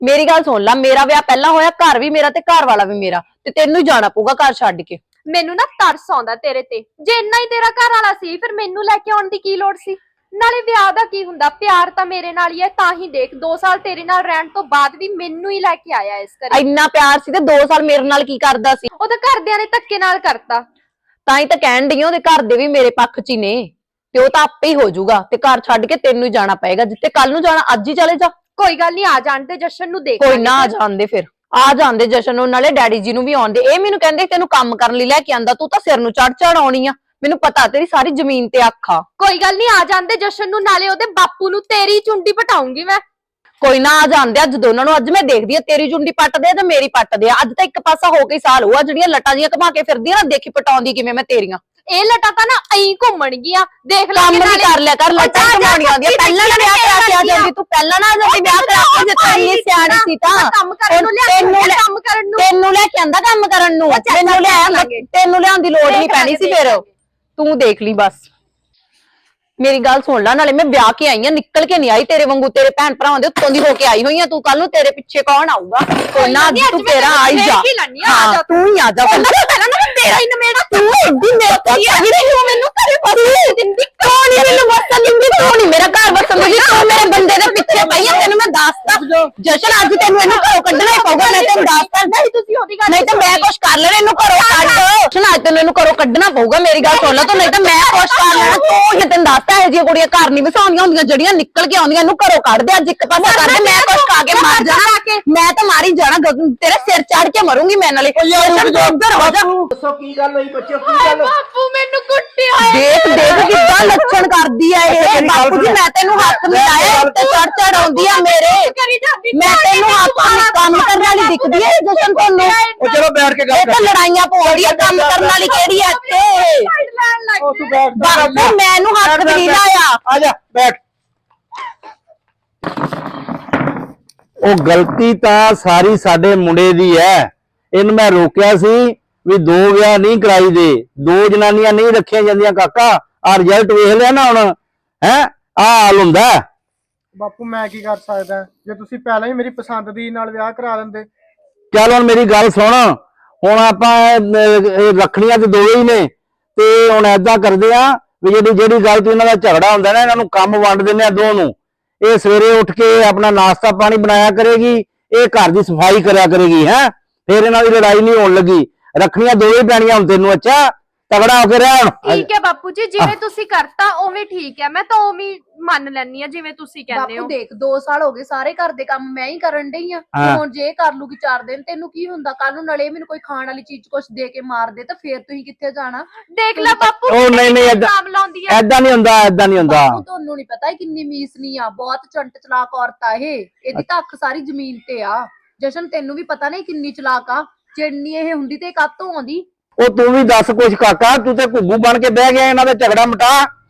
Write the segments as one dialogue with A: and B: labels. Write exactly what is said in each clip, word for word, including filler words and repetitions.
A: मेरी गल सुन ला, मेरा विआह पहला होया, घर भी मेरा ते घर वाला भी मेरा, ते तेनू ही जाना पऊगा घर छड्ड के।
B: ਮੈਨੂੰ ਨਾ ਤਰਸ ਆਉਂਦਾ ਤੇਰੇ ਤੇ। ਜੇ ਇੰਨਾ ਹੀ ਤੇਰਾ ਘਰ ਵਾਲਾ ਸੀ ਫਿਰ ਮੈਨੂੰ ਲੈ ਕੇ ਆਉਣ ਦੀ ਕੀ ਲੋੜ ਸੀ? ਨਾਲੇ ਵਿਆਹ ਦਾ ਕੀ ਹੁੰਦਾ, ਪਿਆਰ ਤਾਂ ਮੇਰੇ ਨਾਲ ਹੀ ਹੈ। ਤਾਂ ਹੀ ਦੇਖ ਦੋ ਸਾਲ ਤੇਰੇ ਨਾਲ ਰਹਿਣ ਤੋਂ ਬਾਅਦ ਵੀ ਮੈਨੂੰ ਹੀ ਲੈ ਕੇ ਆਇਆ ਇਸ ਘਰੇ।
A: ਇੰਨਾ ਪਿਆਰ ਸੀ ਤੇ ਦੋ ਸਾਲ ਮੇਰੇ ਨਾਲ ਕੀ ਕਰਦਾ ਸੀ?
B: ਉਹ ਤਾਂ ਘਰਦਿਆਂ ਨੇ ਧੱਕੇ ਨਾਲ ਕਰਤਾ।
A: ਤਾਂ ਹੀ ਤਾਂ ਕਹਿਣ ਡਈ ਉਹਦੇ ਘਰ ਦੇ ਵੀ ਮੇਰੇ ਪੱਖ 'ਚ ਹੀ ਨੇ, ਤੇ ਉਹ ਤਾਂ ਆਪੇ ਹੀ ਹੋ ਜਾਊਗਾ ਤੇ ਘਰ ਛੱਡ ਕੇ ਤੈਨੂੰ ਹੀ ਜਾਣਾ ਪਏਗਾ। ਜਿੱਤੇ ਕੱਲ ਨੂੰ ਜਾਣਾ ਅੱਜ ਹੀ ਚਲੇ ਜਾ।
B: ਕੋਈ ਗੱਲ ਨਹੀਂ, ਆ ਜਾਣ ਤੇ ਜਸ਼ਨ ਨੂੰ ਦੇਖ।
A: ਕੋਈ ਨਾ, ਆ ਜਾਂਦੇ ਫਿਰ ਆ ਜਾਂਦੇ ਜਸ਼ਨ ਨੂੰ, ਨਾਲੇ ਡੈਡੀ ਜੀ ਨੂੰ ਵੀ ਆਉਂਦੇ। ਇਹ ਮੈਨੂੰ ਕਹਿੰਦੇ ਤੈਨੂੰ ਕੰਮ ਕਰਨ ਲਈ ਲੈ ਕੇ ਆਂਦਾ, ਤੂੰ ਤਾਂ ਸਿਰ ਨੂੰ ਚੜ ਚੜ ਆਉਣੀ ਆ। ਮੈਨੂੰ ਪਤਾ ਤੇਰੀ ਸਾਰੀ ਜ਼ਮੀਨ ਤੇ ਅੱਖ ਆ।
B: ਕੋਈ ਗੱਲ ਨਹੀਂ, ਆ ਜਾਂਦੇ ਜਸ਼ਨ ਨੂੰ, ਨਾਲੇ ਉਹਦੇ ਬਾਪੂ ਨੂੰ ਤੇਰੀ ਚੁੰਡੀ ਪਟਾਉਂਗੀ ਮੈਂ।
A: ਕੋਈ ਨਾ, ਆ ਜਾਂਦੇ ਅੱਜ ਦੋਨਾਂ ਨੂੰ। ਅੱਜ ਮੈਂ ਦੇਖਦੀ ਆ ਤੇਰੀ ਚੁੰਡੀ ਪੱਟਦੇ ਆ ਤੇ ਮੇਰੀ ਪੱਟਦੇ ਆ। ਅੱਜ ਤਾਂ ਇੱਕ ਪਾਸਾ ਹੋ ਕੇ ਸਾਲ ਹੋਆ, ਜਿਹੜੀਆਂ ਲੱਟਾਂ ਜੀਆਂ ਘਮਾ ਕੇ ਫਿਰਦੀ ਆ ਨਾ, ਦੇਖੀ ਪਟਾਉਂਦੀ ਕਿਵੇਂ ਮੈਂ ਤੇਰੀਆਂ।
B: ਇਹ ਲੱਟਾਂ ਤਾਂ ਨਾ ਐਂ ਘੁੰਮਣ ਗਈਆਂ, ਦੇਖ ਲੈ।
A: ਕੰਮ ਵੀ ਕਰ ਲਿਆ ਕਰ, ਲੱਟਾਂ ਘਮਾਉਣੀਆਂ ਆਉਂਦੀਆਂ। ਪਹਿਲਾਂ ਨਾ ਵਿਆਹ ਕਰਾ ਕੇ ਆ ਜਾਂਦੀ ਤੂੰ, ਪਹਿਲਾਂ ਨਾ ਆ ਜਾਂਦੀ ਵਿਆਹ ਕਰਾ ਕੇ। ਜੇ ਤੂੰ ਇੰਨੀ ਸਿਆਣੀ ਸੀ ਤਾਂ
B: ਕੰਮ ਕਰਨ ਨੂੰ ਲਿਆ, ਕੰਮ ਕਰਨ ਨੂੰ
A: ਤੈਨੂੰ ਲੈ ਕੇ ਆਂਦਾ ਕੰਮ ਕਰਨ ਨੂੰ। ਮੈਨੂੰ ਲਿਆ, ਤੈਨੂੰ ਲਿਆਉਣ ਦੀ ਲੋੜ ਨਹੀਂ ਪੈਣੀ ਸੀ। ਫਿਰ ਤੂੰ ਦੇਖ ਲਈ ਬਸ। मेरी गल सुन ला, नाले मैं ब्याह के आई हूं, निकल के नहीं आई तेरे वांगू। तेरे भैन भरावां दे उत्तों दी होके आई हुई है। तू कल नूं तेरे पीछे कौन आऊगा? कोई ना, तू तेरा आ ही जा। हां तू ही आ जा। पहला ना तेरा ही नमेड़ा। तू एडी मेरे को कही रही हो, मेनू घरे बस दिंदी कौन ही मेनू बस दिंदी कौन ही मेरा घर बस दिंदी। तू मेरे बंदे दे पीछे पई है। तेनू मैं दसदा जशन, अज तेनू इनू घरों कढना ही पऊगा। मैं तेनू दसदा नहीं, तुसी ओदी गल नहीं तो मैं कुछ कर लेना। इनू घरों कढ जशन, अज तेनू इनू घरों कढना पऊगा। मेरी गल सुन ला तू, नहीं तो मैं कुछ कर लेना। तू ही तेनू दसदा ਇਹੋ ਜਿਹੀਆਂ ਕੁੜੀਆਂ ਘਰ ਨਹੀਂ ਵਸਾਉਂਦੀਆਂ ਹੁੰਦੀਆਂ, ਜਿਹੜੀਆਂ ਨਿਕਲ ਕੇ ਆਉਂਦੀਆਂ। ਇਹਨੂੰ ਘਰੋਂ ਕੱਢ ਦੇ, ਅੱਜ ਇੱਕ ਪਾਸਾ ਕਰ ਦੇ। ਮੈਂ ਕੁਛ ਖਾ ਕੇ ਮਰ ਜਾਣਾ, ਮੈਂ ਤਾਂ ਮਾਰੀ ਜਾਣਾ। ਤੇਰੇ ਸਿਰ ਚੜ ਕੇ ਮਰੂੰਗੀ ਮੈਂ ਨਾਲੇ। ਉੱਧਰ ਹੋ ਜਾ।
C: ਦੱਸੋ ਕੀ ਗੱਲ ਹੋਈ ਬੱਚਿਓ, ਕੀ ਗੱਲ?
B: ਬਾਪੂ ਮੈਨੂੰ ਕੁੱਟਿਆ।
A: ਦੇਖ ਦੇਖ ਕਿੱਦਾਂ ਲੱਛਣ ਕਰਦੀ ਆ ਇਹ। ਬਾਪੂ ਜੀ ਮੈਂ ਤੈਨੂੰ ਹੱਥ ਮਿਲਾਇਆ ਤੇ ਚੜ ਚੜ ਆਉਂਦੀ ਆ ਮੇਰੇ। ਮੈਂ ਤੈਨੂੰ ਹੱਥ ਕੰਮ ਕਰਨ ਵਾਲੀ ਦਿਖਦੀ ਆ ਜਸ਼ਨ ਤੁਹਾਨੂੰ?
C: ਉਹ ਚਲੋ ਬੈਠ ਕੇ ਗੱਲ
A: ਇਹ ਤਾਂ ਲੜਾਈਆਂ ਪਾਉਂਦੀ ਆ, ਕੰਮ ਕਰਨ ਵਾਲੀ ਕਿਹੜੀ ਆ ਇੱਥੇ?
C: ਉਹ ਤੂੰ ਬੈਠ
A: ਬਾਪੂ ਮੈਨੂੰ ਹੱਥ ਵੀ ਲਾਇਆ।
C: ਆ ਜਾ ਬੈਠ। ਉਹ ਗਲਤੀ ਤਾਂ ਸਾਰੀ ਸਾਡੇ ਮੁੰਡੇ ਦੀ ਹੈ। ਇਹਨੂੰ ਮੈਂ ਰੋਕਿਆ ਸੀ ਵੀ ਦੋ ਵਿਆਹ ਨਹੀਂ ਕਰਾਈ ਦੇ, ਦੋ ਜਨਾਨੀਆਂ ਨਹੀਂ ਰੱਖੀਆਂ ਜਾਂਦੀਆਂ। ਕਾਕਾ ਆ ਰਿਜ਼ਲਟ ਵੇਖ ਲਿਆ ਨਾ ਹੁਣ, ਹੈ ਆ ਹਾਲ ਹੁੰਦਾ।
D: ਬਾਪੂ ਮੈਂ ਕੀ ਕਰ ਸਕਦਾ? ਜੇ ਤੁਸੀਂ ਪਹਿਲਾਂ ਹੀ ਮੇਰੀ ਪਸੰਦ ਦੀ ਨਾਲ ਵਿਆਹ ਕਰਾ ਲੈਂਦੇ।
C: ਚੱਲ ਹੁਣ ਮੇਰੀ ਗੱਲ ਸੁਣ, ਹੁਣ ਆਪਾਂ ਰੱਖਣੀਆਂ ਤੇ ਦੋਵੇਂ ਹੀ ਨੇ, ਤੇ ਹੁਣ ਏਦਾਂ ਕਰਦੇ ਆ ਵੀ ਜਿਹੜੀ ਜਿਹੜੀ ਗੱਲ ਤੋਂ ਇਹਨਾਂ ਦਾ ਝਗੜਾ ਹੁੰਦਾ ਨਾ, ਇਹਨਾਂ ਨੂੰ ਕੰਮ ਵੰਡ ਦਿੰਦੇ ਆ ਦੋ ਨੂੰ। ਇਹ ਸਵੇਰੇ ਉੱਠ ਕੇ ਆਪਣਾ ਨਾਸ਼ਤਾ ਪਾਣੀ ਬਣਾਇਆ ਕਰੇਗੀ, ਇਹ ਘਰ ਦੀ ਸਫਾਈ ਕਰਿਆ ਕਰੇਗੀ। ਹੈ ਫਿਰ ਇਹਨਾਂ ਦੀ ਲੜਾਈ ਨਹੀਂ ਹੋਣ ਲੱਗੀ। ਰੱਖਣੀਆਂ ਦੋਵੇਂ ਪੈਣੀਆਂ ਹੁਣ ਤੈਨੂੰ। ਅੱਛਾ ਤਗੜਾ ਹੋ ਕੇ ਰਹਿ ਹੁਣ।
B: ਠੀਕ ਹੈ ਬਾਪੂ ਜੀ, ਜਿਵੇਂ ਤੁਸੀਂ ਕਰਤਾ ਉਵੇਂ ਠੀਕ ਹੈ। ਮੈਂ ਤਾਂ ਉਵੇਂ ਮੰਨ ਲੈਣੀ ਆ ਜਿਵੇਂ ਤੁਸੀਂ ਕਹਿੰਦੇ ਹੋ।
E: ਬਾਪੂ ਦੇਖ ਦੋ ਸਾਲ ਹੋ ਗਏ, ਸਾਰੇ ਘਰ ਦੇ ਕੰਮ ਮੈਂ ਹੀ ਕਰਨ ਡਈ ਆ। ਹੁਣ ਜੇ ਕਰ ਲੂਗੀ ਚਾਰ ਦਿਨ, ਤੈਨੂੰ ਕੀ ਹੁੰਦਾ? ਕੱਲ ਨੂੰ ਨਲੇ ਮੈਨੂੰ ਕੋਈ ਖਾਣ ਵਾਲੀ ਚੀਜ਼ ਕੁਛ ਦੇ ਕੇ ਮਾਰ ਦੇ ਤਾਂ ਫੇਰ ਤੁਸੀਂ ਕਿੱਥੇ ਜਾਣਾ?
B: ਦੇਖ ਲੈ ਬਾਪੂ,
C: ਉਹ ਨਹੀਂ ਨਹੀਂ
B: ਨਾਮ ਲਾਉਂਦੀ ਆ।
C: ਏਦਾਂ ਨਹੀਂ ਹੁੰਦਾ, ਏਦਾਂ ਨਹੀਂ ਹੁੰਦਾ।
E: ਬਾਪੂ ਤੁਹਾਨੂੰ ਨਹੀਂ ਪਤਾ ਕਿੰਨੀ ਮੀਸਨੀ ਆ, ਬਹੁਤ ਚੰਟ ਚਲਾਕ ਔਰਤ ਆ ਇਹ। ਇਹਦੀ ਤਾਂ ਅੱਖ ਸਾਰੀ ਜ਼ਮੀਨ ਤੇ ਆ। ਜਸ਼ਨ ਤੈਨੂੰ ਵੀ ਪਤਾ ਨਹੀਂ ਕਿੰਨੀ ਚਲਾਕ ਆ। ਜਿੰਨੀ ਇਹ ਹੁੰਦੀ ਤੇ ਕਾਤੋਂ ਆਉਂਦੀ।
C: ਉਹ ਤੂੰ ਵੀ ਦੱਸ ਕੁਛ ਕਾਕਾ, ਤੂੰ ਤੇ ਘੁੱਗੂ ਬਣ ਕੇ ਬਹਿ ਗਿਆ। ਇਹਨਾਂ ਦਾ ਝਗੜਾ ਮਿਟਾ।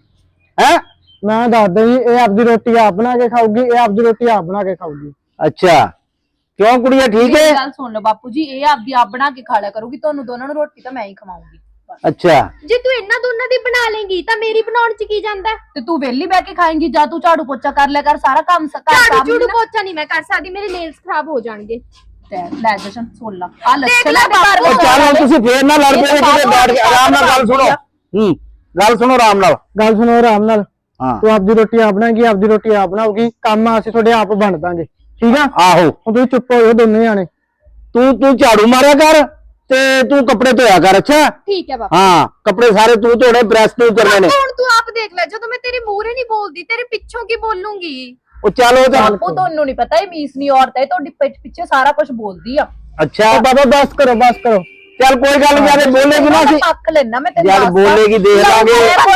C: ਹੈ
D: ਮੈਂ ਦੱਸਦਾ ਜੀ, ਇਹ ਆਪਦੀ ਰੋਟੀ ਆਪ ਬਣਾ ਕੇ ਖਾਊਗੀ, ਇਹ ਆਪਦੀ ਰੋਟੀ ਆਪ ਬਣਾ ਕੇ ਖਾਊਗੀ।
C: ਅੱਛਾ ਕਿਉਂ ਕੁੜੀਆ ਠੀਕ ਹੈ?
E: ਮੇਰੀ ਗੱਲ ਸੁਣ ਲਓ ਬਾਪੂ ਜੀ, ਇਹ ਆਪਦੀ ਆਪ ਬਣਾ ਕੇ ਖਾ ਲਿਆ ਕਰੂਗੀ। ਤੁਹਾਨੂੰ ਦੋਨਾਂ ਨੂੰ ਰੋਟੀ ਤਾਂ ਮੈਂ ਹੀ ਖਵਾਉਂਗੀ।
C: ਅੱਛਾ
B: ਜੇ ਤੂੰ ਇਹਨਾਂ ਦੋਨਾਂ ਦੀ ਬਣਾ ਲੇਂਗੀ ਤਾਂ ਮੇਰੀ ਬਣਾਉਣ ਚ ਕੀ ਜਾਂਦਾ?
E: ਤੇ ਤੂੰ ਵਿਹਲੀ ਬਹਿ ਕੇ ਖਾਏਂਗੀ ਜਾਂ ਤੂੰ ਝਾੜੂ ਪੋਚਾ ਕਰ ਲਿਆ ਕਰ, ਸਾਰਾ ਕੰਮ
B: ਝਾੜੂ ਝੂੜੂ ਪੋਚਾ ਨਹੀਂ ਮੈਂ ਕਰ ਸਕਦੀ, ਮੇਰੇ ਨੇਲਸ ਖਰਾਬ ਹੋ ਜਾਣਗੇ।
E: ਲੈ ਜਸ਼ਨ ਸੁਣ ਲਾ, ਆ ਲੱਛਣ ਆ
C: ਉਹ ਚੱਲ ਹੁਣ ਤੁਸੀਂ ਫੇਰ ਨਾ ਲੜ ਪਏ ਕਿਤੇ ਬੈਠ ਕੇ ਆਰਾਮ ਨਾਲ ਗੱਲ ਸੁਣੋ। ਹੂੰ ਗੱਲ ਸੁਣੋ ਆਰਾਮ ਨਾਲ।
D: ਗੱਲ ਸੁਣੋ ਆਰਾਮ ਨਾਲ।
C: ਹਾਂ
D: ਤੂੰ ਆਪਦੀ ਰੋਟੀ ਆਪ ਬਣਾਏਗੀ, ਆਪਦੀ ਰੋਟੀ ਆਪ ਬਣਾਉਗੀ। ਕੰਮ ਅਸੀਂ ਤੁਹਾਡੇ ਆਪ ਵੰਡ ਦਾਂਗੇ, ਠੀਕ ਆ?
C: ਆਹੋ
D: ਹੁਣ ਤੁਸੀਂ ਚੁੱਪ ਹੋ ਜਾਓ ਦੋਨੇ ਜਾਣੇ।
C: ਤੂੰ ਤੂੰ ਝਾੜੂ ਮਾਰਿਆ ਕਰ ਤੇ ਤੂੰ ਕੱਪੜੇ ਧੋਇਆ ਕਰ। ਅੱਛਾ
B: ਠੀਕ ਹੈ ਬਾਪੂ।
C: ਹਾਂ ਕੱਪੜੇ ਸਾਰੇ ਤੂੰ ਧੋਣੇ, ਪ੍ਰੈਸ ਤੂੰ ਕਰਨੇ ਨੇ।
B: ਹੁਣ ਤੂੰ ਆਪ ਦੇਖ ਲੈ, ਜਦੋਂ ਮੈਂ ਤੇਰੇ ਮੂਹਰੇ ਨਹੀਂ ਬੋਲਦੀ ਤੇਰੇ ਪਿੱਛੋਂ ਕੀ ਬੋਲੂੰਗੀ?
C: ਉਹ ਚੱਲ ਉਹ ਤਾਂ
E: ਬਾਪੂ ਤੁਹਾਨੂੰ ਨਹੀਂ ਪਤਾ ਇਹ ਮੀਸਨੀ ਔਰਤ ਹੈ, ਤੁਹਾਡੀ ਪਿੱਛੇ ਪਿੱਛੇ ਸਾਰਾ ਕੁਝ ਬੋਲਦੀ ਆ।
C: ਅੱਛਾ
D: ਬਾਬਾ ਬਸ ਕਰੋ, ਬਸ ਕਰੋ।
C: ਚੱਲ ਕੋਈ ਗੱਲ ਨਹੀਂ, ਜਦ ਬੋਲੇਗੀ ਨਾ ਅਸੀਂ
E: ਪੱਖ ਲੈਣਾ ਮੈਂ ਤੈਨੂੰ
C: ਜਦ ਬੋਲੇਗੀ ਦੇਖ ਲਾਂਗੇ।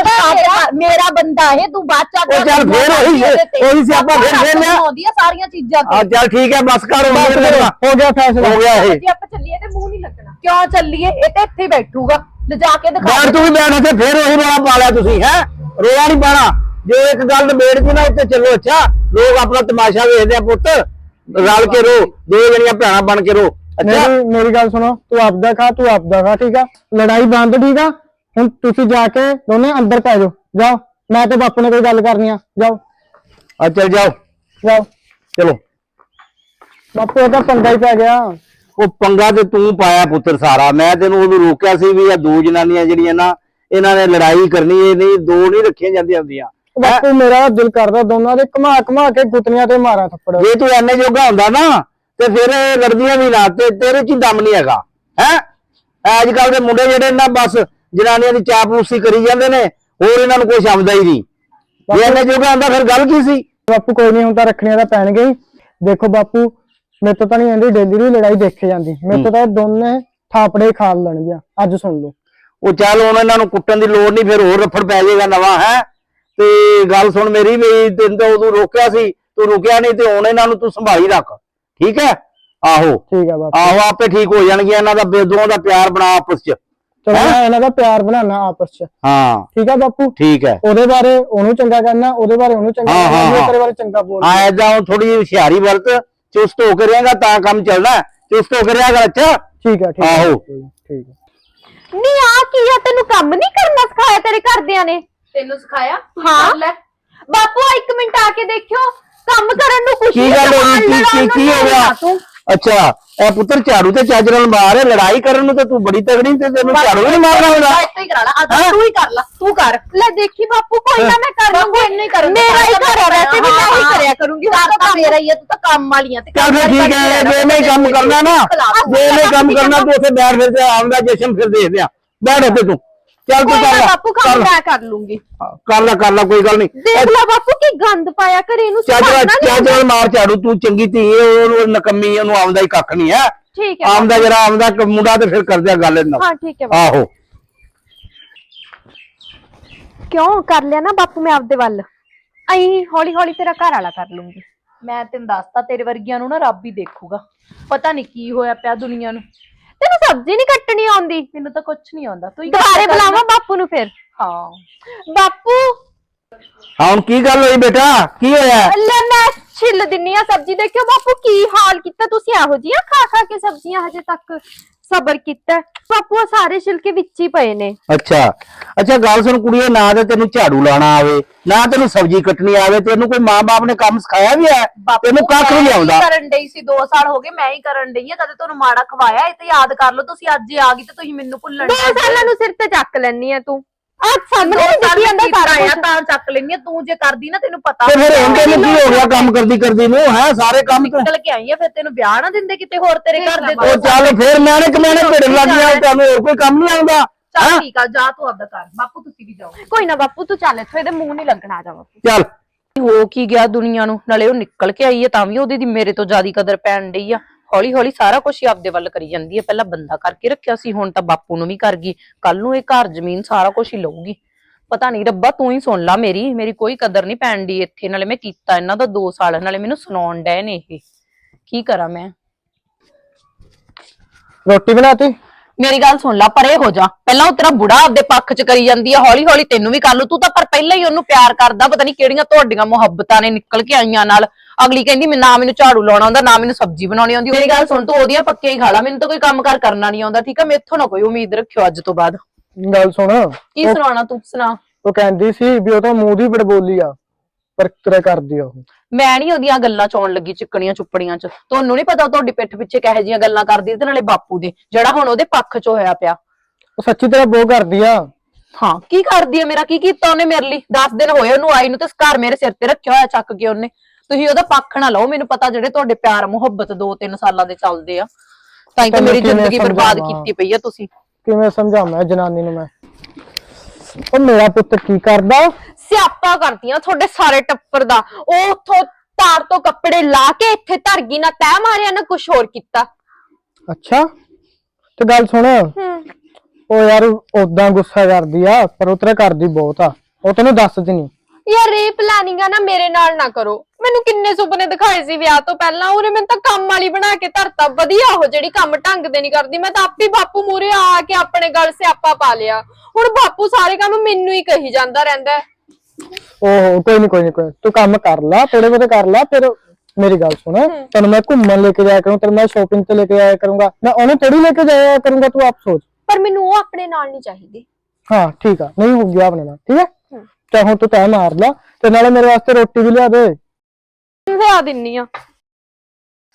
E: ਮੇਰਾ ਬੰਦਾ ਇਹ ਤੂੰ ਬਾਚਾ
C: ਉਹ ਚੱਲ ਫੇਰ ਉਹੀ ਉਹੀ ਸਿਆਪਾ ਫਿਰ ਫੇਰ ਲਿਆ।
E: ਆਉਂਦੀਆਂ ਸਾਰੀਆਂ ਚੀਜ਼ਾਂ
C: ਆ ਚੱਲ ਠੀਕ ਹੈ ਬਸ ਕਰ।
D: ਹੋ ਗਿਆ ਫੈਸਲਾ,
C: ਹੋ ਗਿਆ ਇਹ।
B: ਜੇ ਆਪਾਂ ਚੱਲੀਏ ਤੇ ਮੂੰਹ ਨਹੀਂ ਲੱਗਣਾ।
E: ਕਿਉਂ ਚੱਲੀਏ? ਇਹ ਤੇ ਇੱਥੇ ਹੀ ਬੈਠੂਗਾ, ਲਿਜਾ ਕੇ ਦਿਖਾ।
C: ਬਾਹਰ ਤੂੰ ਵੀ ਬੈਠ ਇੱਥੇ, ਫੇਰ ਉਹੀ ਰੌਲਾ ਪਾ ਲਿਆ ਤੁਸੀਂ। ਹੈ ਰੋਲਾ ਨਹੀਂ ਪਾਣਾ, ਜੇ ਇੱਕ ਗੱਲ ਨਿਬੇੜ ਕੇ ਨਾ ਉੱਤੇ ਚੱਲੋ। ਅੱਛਾ ਲੋਕ ਆਪਣਾ ਤਮਾਸ਼ਾ ਵੇਖਦੇ ਆ ਪੁੱਤ, ਰਲ ਕੇ ਰੋ, ਦੋ ਜਣੀਆਂ ਭੈਣਾਂ ਬਣ ਕੇ ਰੋ।
D: ਮੇਰੀ ਮੇਰੀ ਗੱਲ ਸੁਣੋ, ਤੂੰ ਆਪਦਾ ਖਾ, ਤੂੰ ਆਪਦਾ ਖਾ, ਠੀਕ ਆ? ਲੜਾਈ ਬੰਦ, ਠੀਕ ਆ? ਹੁਣ ਤੁਸੀਂ ਜਾ ਕੇ ਦੋਨੇ ਅੰਦਰ ਪੈ ਜਾਓ, ਜਾਓ। ਮੈਂ ਤੇ ਬਾਪੂ ਨੇ ਕੋਈ ਗੱਲ ਕਰਨੀ ਆ, ਜਾਓ
C: ਆ ਚੱਲ ਜਾਓ
D: ਜਾਓ।
C: ਚਲੋ
D: ਬਾਪੂ ਇਹ ਤਾਂ ਪੰਗਾ ਹੀ ਪੈ ਗਿਆ।
C: ਉਹ ਪੰਗਾ ਤੇ ਤੂੰ ਪਾਇਆ ਪੁੱਤਰ ਸਾਰਾ। ਮੈਂ ਤੈਨੂੰ ਉਦੋਂ ਰੋਕਿਆ ਸੀ ਵੀ ਇਹ ਦੋ ਜਨਾਨੀਆਂ ਜਿਹੜੀਆਂ ਨਾ ਇਹਨਾਂ ਨੇ ਲੜਾਈ ਕਰਨੀ, ਇਹ ਨਹੀਂ ਦੋ ਨਹੀਂ ਰੱਖੀਆਂ ਜਾਂਦੀਆਂ ਹੁੰਦੀਆਂ।
D: ਬਾਪੂ ਮੇਰਾ ਦਿਲ ਕਰਦਾ ਦੋਨਾਂ ਦੇ ਘੁਮਾ ਘੁਮਾ ਕੇ ਗੁੱਤਨੀਆਂ ਤੇ ਮਾਰਾਂ ਥੱਪੜ।
C: ਜੇ ਤੂੰ ਐਨੇ ਜੋਗਾ ਹੁੰਦਾ ਨਾ ਤੇ ਫਿਰ ਇਹ ਲੜਦੀਆਂ ਵੀ ਨਾ, ਤੇ ਤੇਰੇ ਚ ਹੀ ਦਮ ਨਹੀਂ ਹੈਗਾ ਹੈ। ਅੱਜ ਕੱਲ ਦੇ ਮੁੰਡੇ ਜਿਹੜੇ ਨਾ ਬਸ ਜਨਾਨੀਆਂ ਦੀ ਚਾਪਲੂਸੀ ਕਰੀ ਜਾਂਦੇ ਨੇ, ਹੋਰ ਇਹਨਾਂ ਨੂੰ ਕੁਛ ਆਉਂਦਾ ਹੀ ਨਹੀਂ। ਜੇ ਐਨੇ ਜੋਗਾ ਹੁੰਦਾ ਫਿਰ ਗੱਲ ਕੀ ਸੀ।
D: ਬਾਪੂ ਕੋਈ ਨਹੀਂ, ਹੁਣ ਤਾਂ ਰੱਖਣੀਆਂ ਤਾਂ ਪੈਣਗੇ ਹੀ। ਦੇਖੋ ਬਾਪੂ ਮੇਰੇ ਤੋਂ ਤਾਂ ਨਹੀਂ ਆਂਦੀ ਡੇਲੀ ਦੀ ਲੜਾਈ ਦੇਖੇ ਜਾਂਦੀ, ਮੇਰੇ ਤੋਂ ਤਾਂ ਦੋਨੇ ਥਾਪੜੇ ਖਾ ਲੈਣਗੀਆਂ। ਅੱਜ ਸੁਣ ਲਓ।
C: ਉਹ ਚੱਲ ਹੁਣ ਇਹਨਾਂ ਨੂੰ ਕੁੱਟਣ ਦੀ ਲੋੜ ਨਹੀਂ, ਫਿਰ ਹੋਰ ਰਫੜ ਪੈ ਜਾਏਗਾ ਨਵਾਂ ਹੈ। ਤੇ ਗੱਲ ਸੁਣ ਮੇਰੀ ਵੀ, ਤੈਨੂੰ ਤਾਂ ਉਦੋਂ ਰੋਕਿਆ ਸੀ, ਤੂੰ ਰੁਕਿਆ ਨਹੀਂ, ਤੇ ਹੁਣ ਇਹਨਾਂ ਨੂੰ ਤੂੰ ਸੰਭਾਲੀ ਰੱਖ, ਠੀਕ ਹੈ। ਆਹੋ
D: ਠੀਕ ਹੈ ਬਾਪੂ।
C: ਆਹੋ ਆਪੇ ਠੀਕ ਹੋ ਜਾਣਗੀਆਂ। ਇਹਨਾਂ ਦਾ ਦੋਵਾਂ ਦਾ ਪਿਆਰ ਬਣਾ ਆਪਸ ਚ।
D: ਚਲੋ ਮੈਂ ਇਹਨਾਂ ਦਾ ਪਿਆਰ ਬਣਾਉਣਾ ਆਪਸ ਚ।
C: ਹਾਂ
D: ਠੀਕ ਹੈ ਬਾਪੂ।
C: ਠੀਕ ਹੈ।
D: ਉਹਦੇ ਬਾਰੇ ਉਹਨੂੰ ਚੰਗਾ ਕਰਨਾ, ਉਹਦੇ ਬਾਰੇ ਉਹਨੂੰ ਚੰਗਾ
C: ਹਾਂ, ਹਾਂ,
D: ਕਰਨਾ, ਤੇਰੇ ਬਾਰੇ ਚੰਗਾ ਬੋਲਣਾ।
C: ਹਾਂ ਏਦਾਂ ਹੁਣ ਥੋੜੀ ਜਿਹੀ ਹੁਸ਼ਿਆਰੀ ਵਰਤ, ਚੁਸਤ ਹੋ ਕੇ ਰਹੇਗਾ ਤਾਂ ਕੰਮ ਚੱਲਣਾ। ਚੁਸਤ ਹੋ ਕੇ ਰਿਹਾ ਕਰ। ਅੱਛਾ
D: ਠੀਕ ਹੈ। ਠੀਕ ਹੈ
C: ਆਹੋ।
D: ਠੀਕ ਹੈ।
B: ਨਹੀਂ ਆ ਕੀ ਆ, ਤੈਨੂੰ ਕੰਮ ਨਹੀਂ ਕਰਨਾ ਸਿਖਾਇਆ ਤੇਰੇ ਘਰਦਿਆਂ ਨੇ?
E: ਤੈਨੂੰ ਸਿਖਾਇਆ? ਤੂੰ
B: ਹਾਂ।
E: ਕਰ ਲੈ।
B: ਬਾਪੂ ਆ ਇੱਕ ਮਿੰਟ ਆ ਕੇ ਦੇਖਿਓ, ਕੰਮ ਕਰਨ ਨੂੰ ਕੁਛ
C: ਕੀ
B: ਨਹੀਂ,
C: ਗੱਲ ਹੋ
B: ਸਮਾਨ
C: ਗਈ? ਕੀ
B: ਲੜਾਉਣ
C: ਕੀ
B: ਨੂੰ
C: ਹੋ ਗਿਆ?
B: ਤੂੰ
C: ਅੱਛਾ ਇਹ ਪੁੱਤਰ ਝਾੜੂ ਤੇ ਚੱਜ ਨਾਲ ਮਾਰ, ਲੜਾਈ ਕਰਨ ਨੂੰ ਤੇ ਤੂੰ ਬੜੀ ਤਗੜੀ, ਤੇ ਤੈਨੂੰ ਝਾੜੂ ਵੀ ਨਹੀਂ ਮਾਰਨਾ ਹੁੰਦਾ।
E: ਇੱਥੇ ਹੀ ਕਰਾ ਲਾ, ਅੱਜ ਤੂੰ ਹੀ ਕਰ ਲਾ, ਤੂੰ ਕਰ।
B: ਲੈ ਦੇਖੀ ਬਾਪੂ, ਕੋਈ ਨਾ ਮੈਂ ਕਰ ਲੂੰਗੀ।
E: ਇੰਨਾ ਹੀ ਕਰੂੰਗੀ।
B: ਮੇਰਾ ਹੀ ਘਰ ਹੈ, ਵੈਸੇ ਵੀ ਮੈਂ ਹੀ ਕਰਿਆ ਕਰੂੰਗੀ।
E: ਘਰ ਤਾਂ ਮੇਰਾ ਹੀ ਹੈ, ਤੂੰ ਤਾਂ ਕੰਮ ਵਾਲੀ ਆ। ਤੇ
C: ਚੱਲ ਫਿਰ ਠੀਕ ਹੈ। ਜੇ ਨਹੀਂ ਕੰਮ ਕਰਨਾ ਨਾ, ਜੇ ਨਹੀਂ ਕੰਮ ਕਰਨਾ ਤੂੰ ਉੱਥੇ ਬੈਠ, ਫਿਰ ਤੇ ਆਉਂਦਾ ਜਸ਼ਨ ਫਿਰ ਦੇਖਦੇ ਆ। ਬੈਠ ਉੱਥੇ ਤੂੰ, ਚੱਲ ਤੂੰ
B: ਕੋਈ
C: ਕਰ
B: ਨਾ
C: ਲੈ,
B: ਬਾਪੂ, ਕੰਮ ਮੈਂ ਕਰ ਲੂੰਗੀ।
C: ਕਰ ਲੈ ਕਰ ਲੈ ਕੋਈ ਗੱਲ ਨਹੀਂ।
B: ਦੇਖ ਲੈ ਬਾਪੂ ਕੀ ਗੰਦ ਪਾਇਆ ਘਰੇ, ਇਹਨੂੰ
C: ਚੱਜ
B: ਸੰਭਾਲਣਾ ਨਹੀਂ
C: ਚੱਜ ਨਾਲ ਮਾਰ ਝਾੜੂ, ਤੂੰ ਚੰਗੀ ਧੀ ਹੈ, ਉਹਨੂੰ ਨਕਮੀ, ਉਹਨੂੰ ਆਉਂਦਾ ਹੀ ਕੱਖ ਨਹੀਂ ਹੈ।
B: ਠੀਕ ਹੈ
C: ਆਉਂਦਾ ਜਿਹੜਾ ਆਉਂਦਾ ਮੁੰਡਾ, ਤੇ ਫਿਰ ਕਰਦੇ ਆ ਗੱਲ ਇਹਨਾਂ।
B: ਹਾਂ ਠੀਕ ਹੈ ਬਾਪੂ।
C: ਆਹੋ
B: ਕਿਉਂ ਕਰ ਲਿਆ ਨਾ ਬਾਪੂ ਮੈਂ ਆਪਦੇ ਵੱਲ, ਅਈ ਹੌਲੀ ਹੌਲੀ ਤੇਰਾ ਘਰ ਵਾਲਾ ਕਰ ਲੂੰਗੀ।
E: ਮੈਂ ਤੈਨੂੰ ਦੱਸਤਾ, ਤੇਰੇ ਵਰਗੀਆਂ ਨੂੰ ਨਾ ਰੱਬ ਹੀ ਦੇਖੂਗਾ। ਪਤਾ ਨਹੀਂ ਕੀ ਹੋਇਆ ਪਿਆ ਦੁਨੀਆ ਨੂੰ।
B: ਤੈਨੂੰ ਸਬਜ਼ੀ ਨਹੀਂ ਕੱਟਣੀ ਆਉਂਦੀ?
E: ਮੈਨੂੰ ਤਾਂ ਕੁਝ ਨਹੀਂ ਆਉਂਦਾ। ਤੂੰ ਹੀ
B: ਦੁਬਾਰੇ ਬੁਲਾਵਾਂ ਬਾਪੂ ਨੂੰ ਫਿਰ?
E: ਹਾਂ।
B: ਬਾਪੂ
C: ਹਾਂ ਹੁਣ ਕੀ ਗੱਲ ਹੋਈ ਬੇਟਾ, ਕੀ ਹੋਇਆ?
B: ਲੈ ਮੈਂ ਛਿੱਲ ਦਿੰਨੀ ਆ ਸਬਜ਼ੀ। ਦੇਖਿਓ ਬਾਪੂ ਕੀ ਹਾਲ ਕੀਤਾ ਤੁਸੀਂ, ਇਹੋ ਜਿਹੀਆਂ ਖਾ ਖਾ ਕੇ ਸਬਜ਼ੀਆਂ ਹਜੇ ਤੱਕ ਸਬਰ ਕੀਤਾ। ਬਾਪੂ ਆ ਸਾਰੇ ਛਿਲਕੇ ਵਿੱਚ ਹੀ ਪਏ ਨੇ।
C: ਅੱਛਾ ਅੱਛਾ ਗੱਲ ਸੁਣ ਕੁੜੀਏ, ਨਾ ਤੇ ਤੈਨੂੰ ਝਾੜੂ ਲਾਣਾ ਆਵੇ, ਨਾ ਤੈਨੂੰ ਸਬਜ਼ੀ ਕੱਟਣੀ ਆਵੇ, ਤੈਨੂੰ ਕੋਈ ਮਾਂ-ਬਾਪ ਨੇ ਕੰਮ ਸਿਖਾਇਆ ਵੀ ਹੈ? ਤੈਨੂੰ ਕੱਖ ਵੀ ਨਹੀਂ ਆਉਂਦਾ।
E: ਕਰਨ ਡਈ ਸੀ, ਦੋ ਸਾਲ ਹੋ ਗਏ ਮੈਂ ਹੀ ਕਰਨ ਡਈ ਆ। ਕਦੇ ਤੁਹਾਨੂੰ ਮਾੜਾ ਖਵਾਇਆ? ਇਹ ਤੇ ਯਾਦ ਕਰ ਲਓ। ਤੁਸੀਂ ਅੱਜ ਹੀ ਆ ਗਈ ਤੇ ਤੁਸੀਂ ਮੈਨੂੰ ਭੁੱਲਣ
B: ਦੋ ਸਾਲਾਂ ਨੂੰ ਸਿਰ ਤੇ ਚੱਕ ਲੈਣੀ ਆ ਤੂੰ। ਆ ਸਾਹਮਣੇ ਨਹੀਂ ਦਿਖੀ ਜਾਂਦਾ ਸਾਰਾ
E: ਆਇਆ
B: ਕੁਝ।
E: ਤਾਂ ਚੱਕ ਲੈਣੀ ਆ। ਤੂੰ ਜੇ ਕਰਦੀ ਨਾ, ਤੈਨੂੰ ਪਤਾ
C: ਤੇ ਫਿਰ ਹੁਣ ਤੈਨੂੰ ਕੀ ਹੋ ਗਿਆ ਕੰਮ ਕਰਦੀ ਕਰਦੀ ਨੂੰ? ਹੈ ਸਾਰੇ ਕੰਮ ਤੇ
E: ਨਿਕਲ ਕੇ ਆਈ ਆ। ਫਿਰ ਤੈਨੂੰ ਵਿਆਹ ਨਾ ਦਿੰਦੇ ਕਿਤੇ ਹੋਰ ਤੇਰੇ ਘਰ ਦੇ?
C: ਉਹ ਚੱਲ ਫਿਰ ਮੈਨੇ ਕਮਾਣੇ ਭੇੜ ਲੱਗ ਗਿਆ, ਤੁਹਾਨੂੰ ਹੋਰ ਕੋਈ ਕੰਮ ਨਹੀਂ ਆਉਂਦਾ?
E: ਚੱਲ ਠੀਕ ਆ, ਜਾ ਤੂੰ ਆਪਦਾ ਕਰ। ਬਾਪੂ ਤੁਸੀਂ ਵੀ ਜਾਓ।
B: ਕੋਈ ਨਾ ਬਾਪੂ ਤੂੰ ਚੱਲ, ਇੱਥੋਂ ਇਹਦੇ ਮੂੰਹ ਨਹੀਂ ਲੱਗਣਾ। ਆ ਜਾ ਬਾਪੂ।
C: ਚੱਲ
A: ਹੋ ਕੀ ਗਿਆ ਦੁਨੀਆ ਨੂੰ, ਨਾਲੇ ਉਹ ਨਿਕਲ ਕੇ ਆਈ ਹੈ ਤਾਂ ਵੀ ਉਹਦੀ ਦੀ ਮੇਰੇ ਤੋਂ ਜ਼ਿਆਦਾ ਕਦਰ ਪੈਣ ਡਈ ਆ। ਹੌਲੀ ਹੌਲੀ ਸਾਰਾ ਕੁਝ ਹੀ ਆਪਦੇ ਵੱਲ ਕਰੀ ਜਾਂਦੀ ਹੈ। ਪਹਿਲਾਂ ਬੰਦਾ ਕਰਕੇ ਰੱਖਿਆ ਸੀ, ਹੁਣ ਤਾਂ ਬਾਪੂ ਨੂੰ ਵੀ ਕਰ ਗਈ। ਕੱਲ ਨੂੰ ਇਹ ਘਰ ਜ਼ਮੀਨ ਸਾਰਾ ਕੁਝ ਹੀ ਲਊਗੀ। ਪਤਾ ਨਹੀਂ ਰੱਬਾ, ਤੂੰ ਹੀ ਸੁਣ ਲਾ ਮੇਰੀ ਮੇਰੀ ਕੋਈ ਕਦਰ ਨਹੀਂ ਪੈਣ ਦੀ ਇੱਥੇ। ਨਾਲੇ ਮੈਂ ਕੀਤਾ ਇਹਨਾਂ ਦਾ ਦੋ ਸਾਲ, ਨਾਲੇ ਮੈਨੂੰ ਸੁਣਾਉਣ ਡਏ ਨੇ ਇਹ। ਕੀ ਕਰਾਂ ਮੈਂ?
D: ਰੋਟੀ ਬਣਾਤੀ?
A: ਮੇਰੀ ਗੱਲ ਸੁਣ ਲਾ, ਪਰੇ ਹੋ ਜਾ। ਪਹਿਲਾਂ ਉਹ ਤੇਰਾ ਬੁੜਾ ਆਪਦੇ ਪੱਖ ਚ ਕਰੀ ਜਾਂਦੀ ਆ, ਹੌਲੀ ਹੌਲੀ ਤੈਨੂੰ ਵੀ ਕਰ ਲੂ। ਤੂੰ ਤਾਂ ਪਰ ਪਹਿਲਾਂ ਹੀ ਉਹਨੂੰ ਪਿਆਰ ਕਰਦਾ। ਪਤਾ ਨਹੀਂ ਕਿਹੜੀਆਂ ਤੁਹਾਡੀਆਂ ਮੁਹੱਬਤਾਂ ਨੇ ਨਿਕਲ ਕੇ ਆਈਆਂ ਨਾਲ। ਅਗਲੀ ਕਹਿੰਦੀ ਮੈਂ ਨਾ ਮੈਨੂੰ ਝਾੜੂ ਲਾਉਣਾ ਆਉਂਦਾ, ਨਾ ਮੈਨੂੰ ਸਬਜ਼ੀ ਬਣਾਉਣੀ ਆਉਂਦੀ। ਮੇਰੀ ਗੱਲ ਸੁਣ, ਤੂੰ ਉਹਦੀਆਂ ਪੱਕੀਆਂ ਹੀ ਖਾ ਲਾ, ਮੈਨੂੰ ਤਾਂ ਕੋਈ ਕੰਮ ਕਾਰ ਕਰਨਾ ਨਹੀਂ ਆਉਂਦਾ। ਠੀਕ ਆ, ਮੈਥੋਂ ਨਾ ਕੋਈ ਉਮੀਦ ਰੱਖਿਓ ਅੱਜ ਤੋਂ ਬਾਅਦ।
D: ਗੱਲ ਸੁਣ,
A: ਕੀ ਸੁਣਾਉਣਾ ਤੂੰ ਸੁਣਾ।
D: ਉਹ ਕਹਿੰਦੀ ਸੀ ਵੀ ਉਹ ਤਾਂ ਮੂੰਹ ਦੀ ਬੜਬੋਲੀ ਆ, ਪਰ ਕਿਹੜਾ ਕਰਦੀ ਆ ਉਹ।
A: ਮੈਂ ਨਹੀਂ ਉਹਦੀਆਂ ਗੱਲਾਂ ਚ ਆਉਣ ਲੱਗੀ ਚਿੱਕਣੀਆਂ ਚੁੱਪੜੀਆਂ ਚ। ਤੁਹਾਨੂੰ ਨਹੀਂ ਪਤਾ ਤੁਹਾਡੀ ਪਿੱਠ ਪਿੱਛੇ ਕਿਹੋ ਜਿਹੀਆਂ ਗੱਲਾਂ ਕਰਦੀ, ਤੇ ਨਾਲੇ ਬਾਪੂ ਦੇ ਜਿਹੜਾ ਹੁਣ ਉਹਦੇ ਪੱਖ ਚ ਹੋਇਆ ਪਿਆ।
D: ਉਹ ਸੱਚੀ ਤਰ੍ਹਾਂ ਬੋ ਕਰਦੀ ਆ।
A: ਹਾਂ ਕੀ ਕਰਦੀ ਆ? ਮੇਰਾ ਕੀ ਕੀਤਾ ਉਹਨੇ ਮੇਰੇ ਲਈ? ਦਸ ਦਿਨ ਹੋਏ ਉਹਨੂੰ ਆਈ ਨੂੰ, ਤੇ ਘਰ ਮੇਰੇ ਸਿਰ ਤੇ ਰੱਖਿਆ ਹੋਇਆ ਚੱਕ ਕੇ ਉਹਨੇ। ਤੁਸੀਂ ਉਹਦਾ ਪੱਖ ਨਾ ਲਓ। ਮੈਨੂੰ ਪਤਾ ਜਿਹੜੇ ਤੁਹਾਡੇ ਪਿਆਰ ਮੁਹੱਬਤ ਦੋ ਤਿੰਨ ਸਾਲਾਂ ਦੇ ਚੱਲਦੇ ਆ, ਤਾਂ ਹੀ ਤਾਂ ਮੇਰੀ ਜ਼ਿੰਦਗੀ ਬਰਬਾਦ ਕੀਤੀ ਪਈ ਆ ਤੁਸੀਂ।
D: ਕਿਵੇਂ ਸਮਝਾਵਾਂ ਜਨਾਨੀ ਨੂੰ ਮੈਂ? ਉਹ ਮੇਰਾ ਪੁੱਤ ਕੀ ਕਰਦਾ?
B: ਸਿਆਪਾ ਕਰਦੀਆਂ ਤੁਹਾਡੇ ਸਾਰੇ ਟੱਪਰ ਦਾ। ਉਹ ਉੱਥੋਂ ਤਾਰ ਤੋਂ ਕੱਪੜੇ ਲਾ ਕੇ ਇੱਥੇ ਧਰ ਗਈ, ਨਾ ਤੈਅ ਮਾਰਿਆ ਨਾ ਕੁਛ ਹੋਰ ਕੀਤਾ।
D: ਅੱਛਾ ਤੇ ਗੱਲ ਸੁਣ, ਉਹ ਯਾਰ ਓਦਾਂ ਗੁੱਸਾ ਕਰਦੀ ਆ, ਪਰ ਉਹ ਤੇਰਾ ਕਰਦੀ ਬਹੁਤ ਆ। ਉਹ ਤੈਨੂੰ ਦੱਸਦੀ ਨਹੀਂ।
B: ਯਾਰ ਇਹ ਪਲਾਨਿੰਗ ਆ ਨਾ ਮੇਰੇ ਨਾਲ ਨਾ ਕਰੋ। ਮੈਨੂੰ ਕਿੰਨੇ ਸੁਪਨੇ ਦਿਖਾਏ ਸੀ ਵਿਆਹ ਤੋਂ ਪਹਿਲਾਂ, ਉਹਨੇ ਮੈਨੂੰ ਤਾਂ ਕੰਮ ਵਾਲੀ ਬਣਾ ਕੇ ਧਰਤਾ। ਵਧੀਆ ਉਹ ਜਿਹੜੀ ਕੰਮ ਢੰਗ ਦੇ ਨਹੀਂ ਕਰਦੀ। ਮੈਂ ਤਾਂ ਆਪੇ ਬਾਪੂ ਮੂਰੇ ਆ ਕੇ ਆਪਣੇ ਗਲ ਸਿਆਪਾ ਪਾ ਲਿਆ। ਹੁਣ ਬਾਪੂ ਸਾਰੇ ਕੰਮ ਮੈਨੂੰ ਹੀ ਕਹੀ ਜਾਂਦਾ ਰਹਿੰਦਾ।
D: ਓਹੋ ਕੋਈ ਨਹੀਂ ਕੋਈ ਨਹੀਂ ਕੋਈ ਨੀ। ਤੂੰ ਕੰਮ ਕਰ ਲਾ, ਥੋੜੇ ਬਹੁਤੇ ਕਰ ਲਾ। ਫਿਰ ਮੇਰੀ ਗੱਲ ਸੁਣ, ਤੈਨੂੰ ਮੈਂ ਘੁੰਮਣ ਲੈ ਕੇ ਜਾਇਆ ਕਰੂੰ, ਤੈਨੂੰ ਮੈਂ ਸ਼ੋਪਿੰਗ ਤੇ ਲੈ ਕੇ ਜਾਇਆ ਕਰੂੰਗਾ। ਮੈਂ ਉਹਨੂੰ ਥੋੜੀ ਲੈ ਕੇ ਜਾਇਆ ਕਰੂੰਗਾ, ਤੂੰ ਆਪ ਸੋਚ।
B: ਪਰ ਮੈਨੂੰ ਉਹ ਆਪਣੇ ਨਾਲ ਨਹੀਂ ਚਾਹੀਦੀ।
D: ਹਾਂ ਠੀਕ ਆ, ਨਹੀਂ ਹੋ ਗਿਆ ਆਪਣੇ ਨਾਲ। ਠੀਕ ਹੈ, ਚਾਹੇ ਹੁਣ ਤੂੰ ਤੈਅ ਮਾਰ ਲਾ, ਤੇ ਨਾਲੇ ਮੇਰੇ ਵਾਸਤੇ ਰੋਟੀ ਵੀ ਲਿਆ ਦੇ।
B: ਲਿਆ ਦਿੰਨੀ ਆ।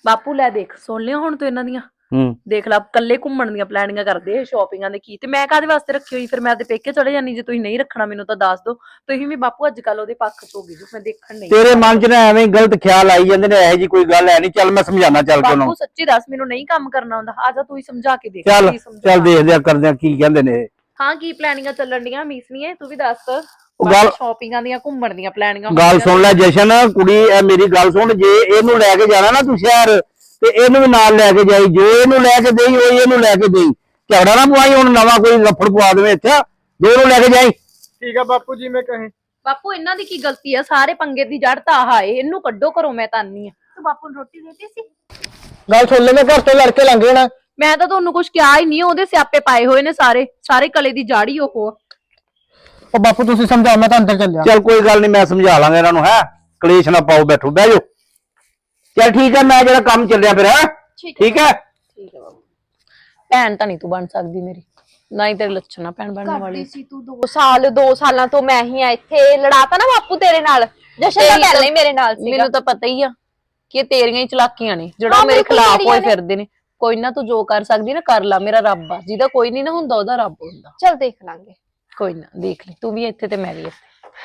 F: ਬਾਪੂ ਲੈ ਦੇਖ, ਸੁਣ ਲਿਆ ਹੁਣ ਤੂੰ ਇਹਨਾਂ ਦੀਆਂ।
C: ਹੂੰ
F: ਦੇਖ ਲਾ, ਕੱਲੇ ਘੁੰਮਣ ਦੀਆਂ ਪਲੈਨਿੰਗਾਂ ਕਰਦੇ, ਸ਼ਾਪਿੰਗਾਂ ਦੇ ਕੀ, ਤੇ ਮੈਂ ਕਾਹਦੇ ਵਾਸਤੇ ਰੱਖੀ ਹੋਈ? ਫਿਰ ਮੈਂ ਤੇ ਪੇਕੇ ਚਲੇ ਜਾਨੀ। ਜੇ ਤੁਸੀਂ ਨਹੀਂ ਰੱਖਣਾ ਮੈਨੂੰ ਤਾਂ ਦੱਸ ਦੋ। ਤੁਸੀਂ ਵੀ ਬਾਪੂ ਅੱਜ ਕੱਲ ਉਹਦੇ ਪੱਖ ਚ ਹੋ ਗਈ ਜੋ, ਮੈਂ ਦੇਖਣ ਨਹੀਂ।
C: ਤੇਰੇ ਮਨ 'ਚ ਨਾ ਐਵੇਂ ਹੀ ਗਲਤ ਖਿਆਲ ਆਈ ਜਾਂਦੇ ਨੇ, ਇਹੋ ਜੀ ਕੋਈ ਗੱਲ ਹੈ ਨਹੀਂ। ਚੱਲ ਮੈਂ ਸਮਝਾਣਾ, ਚੱਲ ਕੇ
F: ਬਾਪੂ
C: ਉਹਨੂੰ।
F: ਸੱਚੀ ਦੱਸ, ਮੈਨੂੰ ਨਹੀਂ ਕੰਮ ਕਰਨਾ ਹੁੰਦਾ। ਆ ਜਾ ਤੂੰ ਹੀ ਸਮਝਾ ਕੇ ਦੇਖ।
C: ਚੱਲ
F: ਕੀ ਸਮਝਾ।
C: ਚੱਲ ਦੇਖਦੇ ਆ, ਕਰਦੇ ਆ ਕੀ ਕਹਿੰਦੇ ਨੇ ਇਹ।
F: ਹਾਂ, ਕੀ ਪਲੈਨਿੰਗਾਂ ਚੱਲਣ ਡੀਆਂ ਮੀਸਨੀਏ, ਤੂੰ ਵੀ ਦੱਸ।
C: ਉਹ ਗੱਲ-
F: ਸ਼ਾਪਿੰਗਾਂ ਦੀਆਂ, ਘੁੰਮਣ ਦੀਆਂ ਪਲੈਨਿੰਗਾਂ।
C: ਗੱਲ ਸੁਣ ਲੈ ਜਸ਼ਨ, ਕੁੜੀ ਇਹ ਮੇਰੀ ਗੱਲ ਸੁਣ, ਜੇ ਇਹਨੂੰ ਲੈ ਕੇ ਜਾਣਾ ਨਾ ਤੂੰ ਸ਼ਹਿਰ, ਤੇ ਇਹਨੂੰ ਵੀ ਨਾਲ ਲੈ ਕੇ ਜਾਈ। ਜੋ ਇਹਨੂੰ ਲੈ ਕੇ ਦੇਈ ਉਹ ਇਹਨੂੰ ਲੈ ਕੇ ਦੇਈ। ਝਗੜਾ ਨਾ ਪਵਾਈ ਹੁਣ ਨਵਾਂ ਕੋਈ ਲੱਫੜ ਪਵਾ ਦੇਵੇ ਇੱਥੇ। ਜੋ ਇਹਨੂੰ ਲੈ ਕੇ ਜਾਈ।
D: ਠੀਕ ਆ ਬਾਪੂ ਜੀ, ਮੈਂ ਕਹੇ
F: ਬਾਪੂ ਇਹਨਾਂ ਦੀ ਕੀ ਗਲਤੀ ਆ? ਸਾਰੇ ਪੰਗੇ ਦੀ ਜੜ ਤਾਂ ਆਹ ਏ। ਇਹਨੂੰ ਕੱਢੋ ਘਰੋਂ, ਮੈਂ ਤਾਂ ਆਨੀ ਆ।
B: ਤੂੰ ਬਾਪੂ ਨੂੰ ਰੋਟੀ ਦੇਤੀ ਸੀ?
D: ਗੱਲ ਸੁਣ ਲੈ, ਮੈਂ ਘਰ ਤੋਂ ਲੜ ਕੇ ਲੰਘ ਜਾਣਾ।
F: ਮੈਂ ਤਾਂ ਤੁਹਾਨੂੰ ਕੁਝ ਕਿਹਾ ਹੀ ਨਹੀਂ। ਉਹਦੇ ਸਿਆਪੇ ਪਾਏ ਹੋਏ ਨੇ ਸਾਰੇ ਸਾਰੇ ਕਲੇ ਦੀ ਜੜ ਹੀ ਉਹ।
D: ਉਹ ਬਾਪੂ ਤੁਸੀਂ ਸਮਝਾਓ, ਮੈਂ ਤਾਂ ਅੰਦਰ ਚੱਲਿਆ।
C: ਚੱਲ ਕੋਈ ਗੱਲ ਨਹੀਂ, ਮੈਂ ਸਮਝਾ ਲਾਂਗਾ ਇਹਨਾਂ ਨੂੰ। ਹੈ ਕਲੇਸ਼ ਨਾ ਪਾਓ, ਬੈਠੋ ਬਹਿ ਜਾਓ। ਚੱਲ ਠੀਕ ਹੈ, ਮੈਂ ਜਿਹੜਾ ਕੰਮ ਚੱਲਿਆ ਫਿਰ। ਹੈ ਠੀਕ ਹੈ।
A: ਠੀਕ ਹੈ ਬਾਬੂ। ਭੈਣ ਤਾਂ ਨਹੀਂ ਤੂੰ ਬਣ ਸਕਦੀ ਮੇਰੀ, ਨਾ ਹੀ ਤੇਰੇ ਲੱਛਣ ਆ ਭੈਣ ਬਣਨ ਵਾਲੀ।
B: ਕਰਦੀ ਸੀ ਤੂੰ ਦੋ ਸਾਲ ਦੋ ਸਾਲਾਂ ਤੋਂ ਮੈਂ ਹੀ ਆ ਇੱਥੇ। ਲੜਾਤਾ ਨਾ ਬਾਪੂ ਤੇਰੇ ਨਾਲ। ਜਸ਼ਨ ਤਾਂ ਪਹਿਲਾਂ ਹੀ ਮੇਰੇ ਨਾਲ ਸੀਗਾ।
A: ਮੈਨੂੰ ਤਾਂ ਪਤਾ ਹੀ ਆ ਕਿ ਇਹ ਤੇਰੀਆਂ ਹੀ ਚਲਾਕੀਆਂ ਨੇ ਜਿਹੜਾ
B: ਹਾਂ,
A: ਮੇਰੇ
B: ਬਿਲਕੁਲ
A: ਖਿਲਾਫ
B: ਤੇਰੀਆਂ
A: ਹੋਏ
B: ਨੇ।
A: ਫਿਰਦੇ ਨੇ। ਕੋਈ ਨਾ, ਤੂੰ ਜੋ ਕਰ ਸਕਦੀ ਨਾ ਕਰ ਲਾ। ਮੇਰਾ ਰੱਬ ਆ, ਜਿਹਦਾ ਕੋਈ ਨਹੀਂ ਨਾ ਹੁੰਦਾ ਉਹਦਾ ਰੱਬ ਹੁੰਦਾ।
B: ਚੱਲ ਦੇਖ ਲਾਂਗੇ।
A: ਕੋਈ ਨਾ ਦੇਖ ਲਈ, ਤੂੰ ਵੀ ਇੱਥੇ ਤੇ ਮੈਂ ਵੀ ਇੱਥੇ।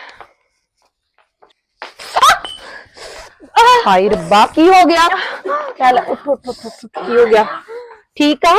A: ਹਾਏ ਰੱਬਾ, ਕੀ ਹੋ ਗਿਆ? ਚੱਲ ਉੱਠ ਉੱਠ ਉੱਠ ਉੱਠ, ਕੀ ਹੋ ਗਿਆ? ਠੀਕ ਆ?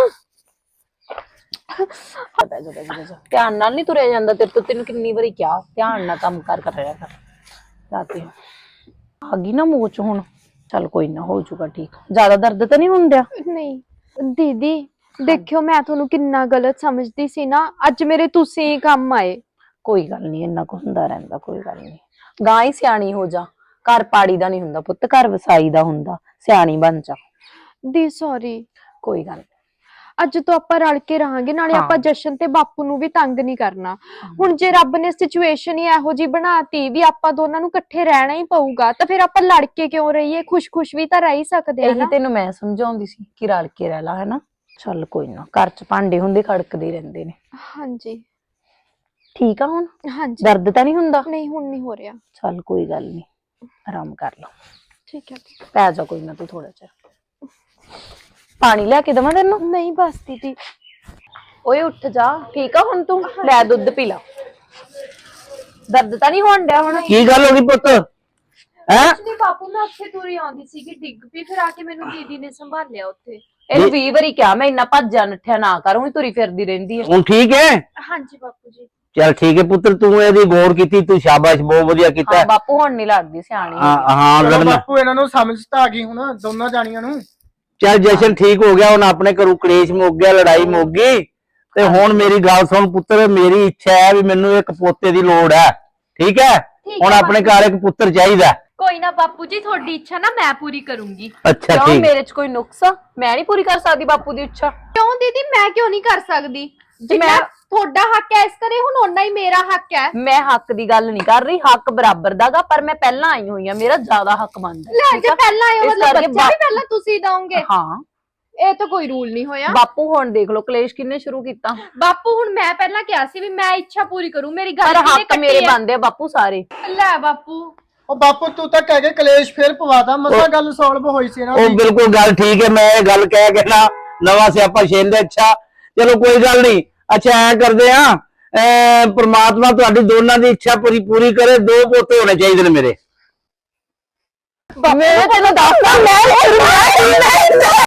A: ਬਹਿ ਜਾ, ਬਹਿ ਜਾ, ਬਹਿ ਜਾ। ਧਿਆਨ ਨਾਲ ਨਹੀਂ ਤੁਰਿਆ ਜਾਂਦਾ ਤੇਰੇ ਤੋਂ। ਤੈਨੂੰ ਕਿੰਨੀ ਵਾਰੀ ਕਿਹਾ ਧਿਆਨ ਨਾਲ ਕੰਮ ਕਰ ਕਰ ਰਿਹਾ ਕਰ। ਰਾਤੀ ਆ ਗਈ ਨਾ ਮੂੰਹ ਚ ਹੁਣ। ਚੱਲ ਕੋਈ ਨਾ, ਹੋ ਜਾਊਗਾ ਠੀਕ। ਜ਼ਿਆਦਾ ਦਰਦ ਤਾਂ ਨਹੀਂ ਹੁੰਦਾ?
B: ਨਹੀਂ ਦੀਦੀ, ਦੇਖਿਓ ਮੈਂ ਤੁਹਾਨੂੰ ਕਿੰਨਾ ਗਲਤ ਸਮਝਦੀ ਸੀ ਨਾ। ਅੱਜ ਮੇਰੇ ਤੁਸੀਂ ਹੀ ਕੰਮ ਆਏ।
A: ਕੋਈ ਗੱਲ ਨਹੀਂ, ਇੰਨਾ ਕੁ ਹੁੰਦਾ ਰਹਿੰਦਾ, ਕੋਈ ਗੱਲ ਨਹੀਂ। ਗਾਂ ਹੀ ਸਿਆਣੀ ਹੋ ਜਾ। ਘਰ ਪਾੜੀ ਦਾ ਨਹੀਂ ਹੁੰਦਾ ਪੁੱਤ, ਘਰ ਵਸਾਈ ਦਾ ਹੁੰਦਾ। ਸਿਆਣੀ ਬਣ ਜਾ।
B: ਦੀ ਸੌਰੀ।
A: ਕੋਈ ਗੱਲ ਨੀ।
B: ਅੱਜ ਤੋਂ ਆਪਾਂ ਰਲ ਕੇ ਰਹਾਂਗੇ, ਨਾਲੇ
A: ਹਾਂ।
B: ਆਪਾਂ ਜਸ਼ਨ ਤੇ ਬਾਪੂ ਨੂੰ ਵੀ ਤੰਗ ਨਹੀਂ ਕਰਨਾ। ਹੁਣ ਜੇ ਰੱਬ ਨੇ ਸਿਚੁਏਸ਼ਨ ਹੀ ਇਹੋ ਜੀ ਬਣਾਤੀ ਵੀ ਆਪਾਂ ਦੋਨਾਂ ਨੂੰ ਇਕੱਠੇ ਰਹਿਣਾ ਹੀ ਪਊਗਾ, ਤਾਂ ਫਿਰ ਆਪਾਂ ਲੜ ਕੇ ਕਿਉਂ ਰਹੀਏ? ਖੁਸ਼-ਖੁਸ਼ ਵੀ ਤਾਂ ਰਹਿ ਹੀ ਸਕਦੇ ਆ
A: ਇਹੀ
B: ਨਾ।
A: ਤੈਨੂੰ ਮੈਂ ਸਮਝਾਉਂਦੀ ਸੀ ਕਿ ਰਲ ਕੇ ਰਹਿ ਲਾ, ਹੈਨਾ। ਚੱਲ ਕੋਈ ਨਾ, ਘਰ ਚ ਭਾਂਡੇ ਹੁੰਦੇ ਖੜਕਦੇ ਰਹਿੰਦੇ ਨੇ।
B: ਹਾਂਜੀ
A: ਠੀਕ ਆ ਹੁਣ?
B: ਹਾਂਜੀ।
A: ਦਰਦ ਤਾਂ ਨਹੀਂ ਹੁੰਦਾ?
B: ਨਹੀਂ, ਹੁਣ ਨਹੀਂ ਹੋ ਰਿਹਾ।
A: ਚੱਲ ਕੋਈ ਗੱਲ ਨਹੀਂ, ਆਰਾਮ ਕਰ ਲਾ।
B: ਠੀਕ ਹੈ।
A: ਪੈ ਜਾ ਕੋਈ ਨਾ, ਤੂੰ ਥੋੜਾ ਚਿਰ। ਪਾਣੀ ਲੈ ਕੇ ਦੇਵਾਂ ਤੈਨੂੰ?
B: ਨਹੀਂ ਬਸ ਦੀਦੀ।
A: ਓਏ ਉੱਠ ਜਾ। ਠੀਕ ਆ ਹੁਣ ਤੂੰ? ਲੈ ਦੁੱਧ ਪੀ ਲਾ। ਦਰਦ ਤਾਂ ਨਹੀਂ ਹੋਣ ਡਿਆ ਹੁਣ?
C: ਕੀ ਗੱਲ ਹੋ ਗਈ ਪੁੱਤ? ਹੈ
B: ਨਹੀਂ ਬਾਪੂ, ਮੈਂ ਉੱਥੇ ਤੁਰੀ ਆਉਂਦੀ ਸੀ ਕਿ ਡਿੱਗ ਪਈ, ਫਿਰ ਆ ਕੇ ਮੈਨੂੰ ਦੀਦੀ ਨੇ ਸੰਭਾਲਿਆ ਉੱਥੇ।
A: ਇਹਨੂੰ ਵੀਹ ਵਾਰੀ ਕਿਹਾ ਮੈਂ, ਇੰਨਾ ਭੱਜਿਆ ਨੱਠਿਆ ਨਾ ਕਰ। ਉਹੀ ਤੁਰੀ ਫਿਰਦੀ ਰਹਿੰਦੀ ਹੈ।
C: ਹੁਣ ਠੀਕ ਹੈ?
B: ਹਾਂਜੀ ਬਾਪੂ ਜੀ।
C: ਚੱਲ ਠੀਕ ਹੈ ਪੁੱਤਰ, ਤੂੰ ਇਹਦੀ ਗੌਰ ਕੀਤੀ, ਤੂੰ ਸ਼ਾਬਾਸ਼, ਬਹੁਤ ਵਧੀਆ ਕੀਤਾ।
A: ਹਾਂ ਬਾਪੂ, ਹੁਣ ਨਹੀਂ ਲੜਦੀ, ਸਿਆਣੀ ਹੋ
C: ਹਾਂ
A: ਗਈ।
C: ਹਾਂ
D: ਚਲੋ
C: ਲੜਨਾ।
D: ਬਾਪੂ ਇਹਨਾਂ ਨੂੰ ਸਮਝ ਤਾਂ ਆ ਗਈ ਹੁਣ, ਦੋਨਾਂ ਜਾਣੀਆਂ ਨੂੰ।
C: ਚੱਲ ਜਸ਼ਨ ਠੀਕ ਹੋ ਗਿਆ, ਹੁਣ ਆਪਣੇ ਘਰੋਂ ਕਲੇਸ਼ ਮੁੱਕ ਗਿਆ, ਲੜਾਈ ਮੁੱਕ ਗਈ। ਤੇ ਹੁਣ ਮੇਰੀ ਗੱਲ ਸੁਣ ਪੁੱਤਰ, ਮੇਰੀ ਇੱਛਾ ਹੈ ਵੀ ਮੈਨੂੰ ਇੱਕ ਪੋਤੇ ਦੀ ਲੋੜ ਹੈ। ਠੀਕ ਹੈ? ਹੁਣ ਆਪਣੇ ਘਰ ਇੱਕ ਪੁੱਤਰ ਚਾਹੀਦਾ।
B: ਕੋਈ ਨਾ ਬਾਪੂ ਜੀ, ਤੁਹਾਡੀ ਇੱਛਾ ਨਾ ਮੈਂ ਪੂਰੀ ਕਰੂੰਗੀ।
C: ਅੱਛਾ
A: ਕਿਉਂ,
C: ਠੀਕ।
A: ਮੇਰੇ ਚ ਕੋਈ ਨੁਕਸ ਆ? ਮੈਂ ਨਹੀਂ ਪੂਰੀ ਕਰ ਸਕਦੀ ਬਾਪੂ ਦੀ ਇੱਛਾ?
B: ਕਿਉਂ ਦੀਦੀ, ਮੈਂ ਕਿਉਂ ਨਹੀਂ ਕਰ ਸਕਦੀ? ਜਿੰਨਾ
A: ਮੈਂ-
B: ਤੁਹਾਡਾ ਹੱਕ ਹੈ ਇਸ ਕਰੇ, ਹੁਣ ਓਨਾ ਹੀ ਮੇਰਾ ਹੱਕ ਹੈ।
A: ਮੈਂ ਹੱਕ ਦੀ ਗੱਲ ਨਹੀਂ ਕਰ ਰਹੀ, ਹੱਕ ਬਰਾਬਰ ਦਾਗਾ। ਪਰ ਮੈਂ ਪਹਿਲਾਂ ਆਈ ਹੋਈ ਆ, ਮੇਰਾ ਜ਼ਿਆਦਾ ਹੱਕ ਬਣਦਾ।
B: ਲੈ
A: ਠੀਕ
B: ਜੇ
A: ਆ?
B: ਪਹਿਲਾਂ ਆਇਓ,
A: ਇਸ
B: ਮਤਲਬ
A: ਕਰਕੇ
B: ਬੱਚਾ ਵੀ
A: ਬਾ-
B: ਪਹਿਲਾਂ ਤੁਸੀਂ ਦੋਗੇ?
A: ਹਾਂ
B: ਇਹ ਤਾਂ ਕੋਈ ਰੂਲ ਨਹੀਂ ਹੋਇਆ।
A: ਬਾਪੂ, ਹੁਣ ਦੇਖ ਲਓ ਕਲੇਸ਼ ਕਿੰਨੇ ਸ਼ੁਰੂ ਕੀਤਾ।
B: ਬਾਪੂ, ਹੁਣ ਮੈਂ ਪਹਿਲਾਂ ਕਿਹਾ ਸੀ ਵੀ ਮੈਂ ਇੱਛਾ ਪੂਰੀ ਕਰੂੰ, ਮੇਰੀ ਗੱਲ
A: ਪਰ
B: ਕਿਹਨੇ
A: ਹੱਕ
B: ਕੱਟੀ
A: ਮੇਰੇ
B: ਹੈ?
A: ਬਣਦੇ ਆ ਬਾਪੂ ਸਾਰੇ।
B: ਲੈ ਬਾਪੂ।
D: ਉਹ ਬਾਪੂ ਤੂੰ ਤਾਂ ਕਹਿ ਕੇ ਕਲੇਸ਼ ਫੇਰ ਪਵਾਤਾ, ਮਸਾ ਗੱਲ ਸੋਲਵ ਹੋਈ ਸੀ ਨਾ।
C: ਉਹ ਬਿਲਕੁਲ ਗੱਲ ਠੀਕ ਹੈ, ਮੈਂ ਇਹ ਗੱਲ ਕਹਿ ਕੇ ਨਾ ਨਵਾਂ ਸਿਆਪਾ ਛੇਲਦੇ। ਅੱਛਾ ਚਲੋ ਕੋਈ ਗੱਲ ਨਹੀਂ। ਅੱਛਾ ਐ ਕਰਦੇ ਆ, ਪ੍ਰਮਾਤਮਾ ਤੁਹਾਡੀ ਦੋਨਾਂ ਦੀ ਇੱਛਾ ਪੂਰੀ ਪੂਰੀ ਕਰੇ। ਦੋ ਪੋਤੇ ਹੋਣੇ ਚਾਹੀਦੇ ਨੇ ਮੇਰੇ।
A: ਮੈਂ ਤੈਨੂੰ ਦੱਸਦਾ, ਮੈਂ